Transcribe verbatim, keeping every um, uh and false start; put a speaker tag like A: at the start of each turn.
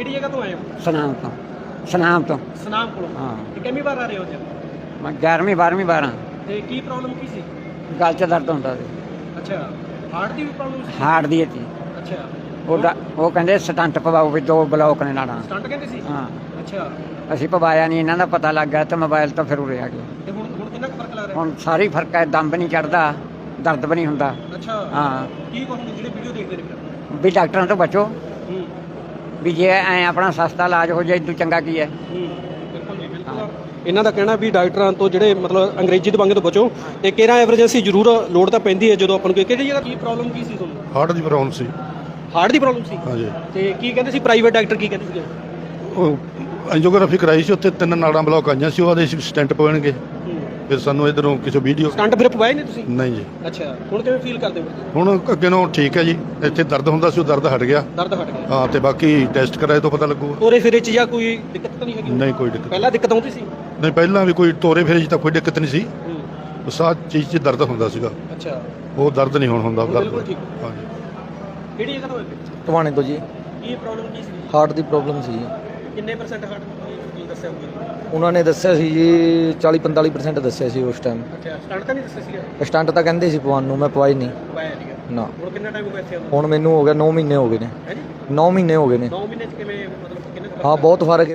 A: ਕਿਹੜੀ ਜਗ੍ਹਾ ਤੋਂ ਆਏ ਹੋ?
B: ਸਨਾਮ ਤੋਂ ਸਨਾਮ ਤੋਂ
A: ਸਨਾਮ ਕੋਲੋਂ।
B: ਹਾਂ।
A: ਤੇ ਕਿੰਨੀ ਵਾਰ ਆ ਰਹੇ ਹੋ ਜੀ?
B: ਮੈਂ ਗਿਆਰਵੀਂ ਬਾਰਵੀਂ ਬਾਰਾਂ
A: ਤੇ ਕੀ ਪ੍ਰੋਬਲਮ ਕੀ ਸੀ?
B: ਗਲ 'ਚ ਦਰਦ ਹੁੰਦਾ ਸੀ।
A: ਅੱਛਾ, ਹਾਰਟ ਦੀ ਵੀ ਪ੍ਰੋਬਲਮ ਸੀ?
B: ਹਾਰਟ ਦੀ ਸੀ।
A: ਅੱਛਾ,
B: ਉਹ ਡਾ- ਉਹ ਕਹਿੰਦੇ ਸਟੰਟ ਪਵਾਓ ਵੀ ਦੋ ਬਲੌਕ ਨੇ ਨਾੜਾਂ।
A: ਸਟੰਟ ਕਹਿੰਦੇ ਸੀ?
B: ਹਾਂ,
A: ਅੱਛਾ,
B: ਅਸੀਂ ਪਵਾਇਆ ਨਹੀਂ, ਇਹਨਾਂ ਦਾ ਪਤਾ ਲੱਗ ਗਿਆ ਤੇ ਮੋਬਾਈਲ ਤੋਂ ਫਿਰ ਉਰੇ ਆ ਗਏ।
A: ਤੇ ਹੁਣ ਹੁਣ ਕਿੰਨਾ ਕੁ ਫਰਕ ਲੱਗ ਰਿਹਾ?
B: ਹੁਣ ਸਾਰੀ ਫਰਕ ਹੈ, ਦਮ ਵੀ ਨਹੀਂ ਚੜਦਾ, ਦਰਦ ਵੀ ਨਹੀਂ ਹੁੰਦਾ।
A: ਅੱਛਾ,
B: ਹਾਂ,
A: ਕੀ ਕਹੋਗੇ ਜਿਹੜੇ ਵੀਡੀਓ ਦੇਖਦੇ ਨੇ ਫਿਰ?
B: ਵੀ ਡਾਕਟਰਾਂ ਤੋਂ ਬਚੋ,
A: ਹੂੰ
B: ਵੀ ਜੇ ਐ ਆਪਣਾ ਸਸਤਾ ਇਲਾਜ ਹੋ ਜਾਏ ਇਦੋਂ ਚੰਗਾ ਕੀ ਹੈ।
A: ਹੂੰ, ਬਿਲਕੁਲ ਜੀ, ਬਿਲਕੁਲ। ਇਹਨਾਂ ਦਾ ਕਹਿਣਾ ਵੀ ਡਾਕਟਰਾਂ ਤੋਂ ਜਿਹੜੇ ਮਤਲਬ ਅੰਗਰੇਜ਼ੀ ਦਵਾਈਆਂ ਤੋਂ ਬਚੋ, ਤੇ ਕਿਹੜਾ ਐਮਰਜੈਂਸੀ ਜ਼ਰੂਰ ਲੋੜ ਤਾਂ ਪੈਂਦੀ ਹੈ ਜਦੋਂ ਆਪਾਂ ਨੂੰ। ਕਿਹੜੀ ਜਗ੍ਹਾ ਕੀ ਪ੍ਰੋਬਲਮ ਕੀ ਸੀ ਤੁਹਾਨੂੰ?
C: ਹਾਰਟ ਦੀ ਪ੍ਰੋਬਲਮ ਸੀ।
A: ਹਾਰਟ ਦੀ ਪ੍ਰੋਬਲਮ ਸੀ?
C: ਹਾਂਜੀ,
A: ਤੇ ਕੀ ਕਹਿੰਦੇ ਸੀ ਪ੍ਰਾਈਵੇਟ ਡਾਕਟਰ, ਕੀ ਕਹਿੰਦੇ ਸੀਗੇ?
C: ਉਹ ਐਂਜੀਓਗ੍ਰਾਫੀ ਕਰਾਈ ਸੀ, ਉੱਥੇ ਤਿੰਨ ਨਾੜਾਂ ਬਲੌਕ ਆਈਆਂ ਸੀ, ਉਹਦੇ ਸਟੈਂਟ ਪਵਾਉਣਗੇ। ਫਿਰ ਸਾਨੂੰ ਇਧਰੋਂ ਕਿਸੇ ਵੀਡੀਓ
A: ਸਟੰਟ ਫਿਰ ਪਵਾਏ ਨੇ ਤੁਸੀਂ?
C: ਨਹੀਂ ਜੀ।
A: ਅੱਛਾ, ਹੁਣ ਕਿਵੇਂ ਫੀਲ ਕਰਦੇ ਹੋ?
C: ਹੁਣ ਅੱਗੇ ਨੂੰ ਠੀਕ ਹੈ ਜੀ, ਇੱਥੇ ਦਰਦ ਹੁੰਦਾ ਸੀ ਉਹ ਦਰਦ ਹਟ ਗਿਆ।
A: ਦਰਦ ਹਟ ਗਿਆ?
C: ਹਾਂ, ਤੇ ਬਾਕੀ ਟੈਸਟ ਕਰਾਏ ਤੋਂ ਪਤਾ ਲੱਗੂਗਾ।
A: ਤੋਰੇ ਫਿਰੇ ਚ ਜਾਂ ਕੋਈ ਦਿੱਕਤ ਤਾਂ ਨਹੀਂ ਹੈਗੀ?
C: ਨਹੀਂ, ਕੋਈ ਦਿੱਕਤ
A: ਪਹਿਲਾਂ ਦਿੱਕਤ ਆਉਂਦੀ ਸੀ?
C: ਨਹੀਂ, ਪਹਿਲਾਂ ਵੀ ਕੋਈ ਤੋਰੇ ਫੇਰੇ 'ਚ ਤਾਂ ਕੋਈ ਦਿੱਕਤ ਨਹੀਂ ਸੀ,
A: ਹੂੰ,
C: ਬਸ ਆਹ ਚੀਜ਼ 'ਚ ਦਰਦ ਹੁੰਦਾ ਸੀਗਾ।
A: ਅੱਛਾ,
C: ਉਹ ਦਰਦ ਨਹੀਂ ਹੁਣ ਹੁੰਦਾ।
A: ਹੁਣ
C: ਦਰਦ
A: ਬਿਲਕੁਲ ਠੀਕ।
C: ਹਾਂਜੀ।
A: ਕਿਹੜੀ ਜਗ੍ਹਾ ਤੋਂ ਹੋਏ?
D: ਟਵਾਣੇ ਤੋਂ ਜੀ।
A: ਕੀ ਪ੍ਰੋਬਲਮ ਕੀ ਸੀ?
D: ਹਾਰਟ ਦੀ ਪ੍ਰੋਬਲਮ ਸੀ।
A: ਕਿੰਨੇ ਪਰਸੈਂਟ ਹਾਰਟ ਕੀ ਦੱਸਿਆ ਹੋਊਗਾ?
D: ਉਹਨਾਂ ਨੇ ਦੱਸਿਆ ਸੀ ਜੀ ਚਾਲੀ ਪੰਤਾਲੀ ਪਰਸੈਂਟ ਦੱਸਿਆ ਸੀ ਉਸ ਟਾਈਮ।
A: ਅੱਛਾ, ਸਟੰਟ ਤਾਂ ਨਹੀਂ ਦੱਸਿਆ ਸੀਗਾ?
D: ਸਟੰਟ ਤਾਂ ਕਹਿੰਦੇ ਸੀ ਪਵਾਉਣ ਨੂੰ, ਮੈਂ ਪਵਾਈ ਨਹੀਂ।
A: ਪਵਾਇਆ ਸੀਗਾ
D: ਨਾ।
A: ਹੁਣ ਕਿੰਨਾ ਟਾਈਮ ਹੋ ਗਿਆ ਇੱਥੇ ਆਉਣ ਨੂੰ?
D: ਹੁਣ ਮੈਨੂੰ ਹੋ ਗਿਆ ਨੌ ਮਹੀਨੇ ਹੋ ਗਏ ਨੇ।
A: ਹੈ ਜੀ?
D: ਨੌ ਮਹੀਨੇ ਹੋ ਗਏ ਨੇ।
A: ਨੌ ਮਹੀਨੇ ਚ ਕਿਵੇਂ ਮਤਲਬ ਕਿੰਨੇ ਕੁ
D: ਹਾਂ,
A: ਫਰਕ
D: ਬਹੁਤ ਫਰਕ ਹੈ।